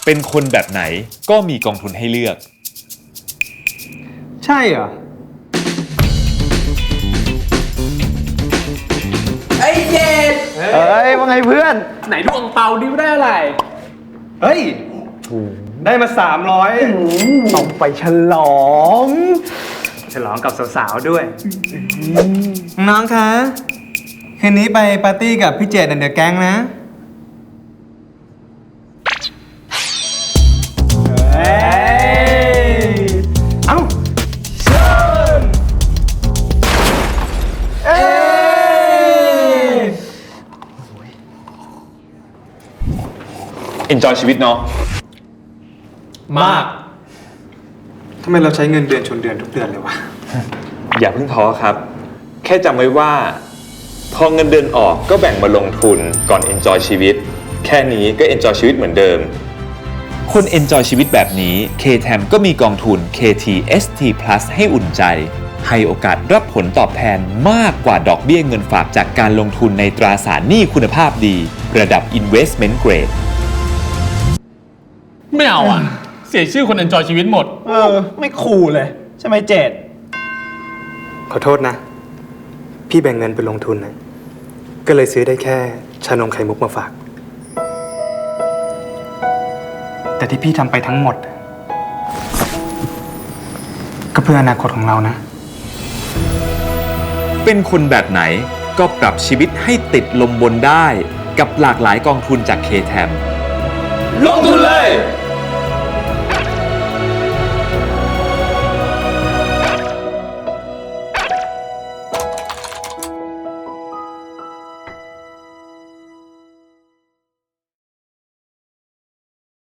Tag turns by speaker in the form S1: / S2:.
S1: เป็นคนแบบไหนก็มีกองทุนให้เลือก
S2: ใช่เหรอ
S3: ไอ้เจ็ด
S2: ว่าไงเพื่อน
S3: ไหนดูอังเปาดิวได้อะไร
S2: เฮ้ย ได้มา300ต้องไปฉลองกับสาวๆด้วย น้องคะ คืนนี้ไปปาร์ตี้กับพี่เจดเดอะแก๊งนะเอ้าเชิญ
S1: enjoy ชีวิตเนาะ
S2: มากทำไมเราใช้เงินเดือนชนเดือนทุกเดือนเลยวะ
S1: อย่าเพิ่งท้อครับ แค่จำไว้ว่าพอเงินเดือนออกก็แบ่งมาลงทุนก่อน enjoy ชีวิตแค่นี้ก็ enjoy ชีวิตเหมือนเดิมคน enjoy ชีวิตแบบนี้ KTM ก็มีกองทุน KT ST Plus ให้อุ่นใจให้โอกาสรับผลตอบแทนมากกว่าดอกเบี้ยเงินฝากจากการลงทุนในตราสารหนี้คุณภาพดีระดับ investment grade
S3: ไม่เอาอ่ะ เสียชื่อคนเอนจอยชีวิตหมด
S2: ไม่คูลเลย ใช่ไหมเจดขอโทษนะ พี่แบ่งเงินไปลงทุนนะก็เลยซื้อได้แค่ชานมไข่มุกมาฝาก แต่ที่พี่ทำไปทั้งหมด ก็เพื่ออนาคตของเรานะ
S1: เป็นคนแบบไหนก็ปรับชีวิตให้ติดลมบนได้กับหลากหลายกองทุนจาก KTM
S3: ลงทุน